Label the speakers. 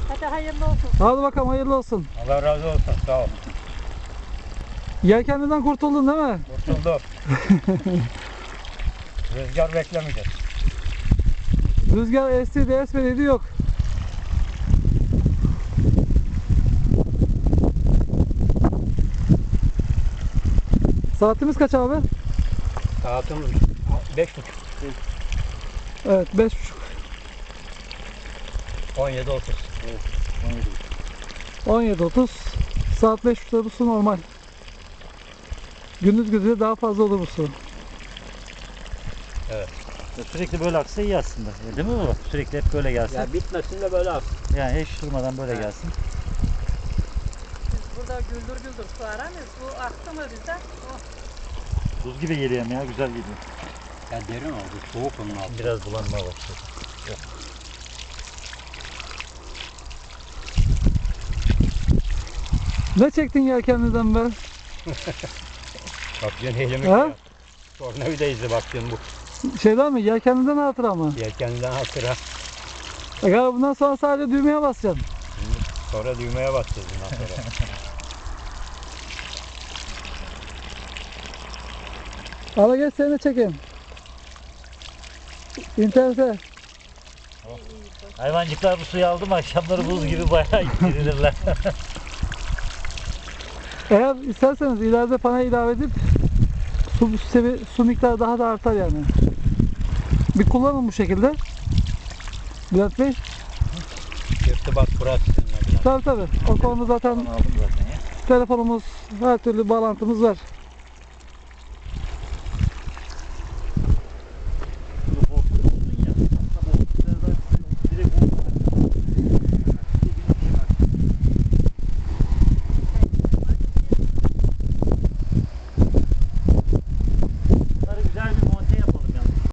Speaker 1: Hadi hayırlı olsun.
Speaker 2: Hadi bakalım hayırlı olsun.
Speaker 3: Allah razı olsun. Sağ ol.
Speaker 2: Yelkenliden kurtuldun değil mi?
Speaker 3: Kurtulduk. Rüzgar beklemeyeceğiz.
Speaker 2: Rüzgar esti de esmedi yok. Saatimiz kaç abi?
Speaker 3: Saatimiz 5.30.
Speaker 2: Evet 5.30.
Speaker 3: 17.30.
Speaker 2: 17.30. Saat 5.30'da bu su normal. Gündüz gündüz daha fazla olur bu su.
Speaker 4: Sürekli böyle aksa iyi aslında. Değil mi bu? Sürekli hep böyle gelsin.
Speaker 3: Ya bitmesin de böyle aksın.
Speaker 4: Yani hiç durmadan böyle gelsin.
Speaker 1: Biz burada güldür güldür su aramıyoruz. Bu aktı mı bize? Oh.
Speaker 4: Buz gibi geliyor ya, güzel geliyor.
Speaker 3: Ya derin oldu. Soğuk onun altı.
Speaker 4: Biraz bulanma başladı.
Speaker 2: Ne çektin yelkenliden be?
Speaker 3: Bak yine elimi
Speaker 2: Ha?
Speaker 3: ya. Tornavida izi bak yine bu.
Speaker 2: Şeyden mi? Yelkenliden hatıra mı?
Speaker 3: Yelkenden hatıra.
Speaker 2: Ya bundan sonra sadece düğmeye basacaksın.
Speaker 3: Sonra düğmeye basacağız bundan sonra.
Speaker 2: Ala geç seni de çekeyim. İnternete.
Speaker 4: Hayvancıklar bu suyu aldı mı akşamları buz gibi bayağı girilirler.
Speaker 2: Eğer isterseniz ileride panel ilave edip su miktarı daha da artar yani. Bir kullanın bu şekilde. Bülent Bey.
Speaker 3: İrtibat burası sizinle.
Speaker 2: Tabii tabii. O konuda zaten
Speaker 4: Aldım zaten ya.
Speaker 2: telefonumuz, her türlü bağlantımız var.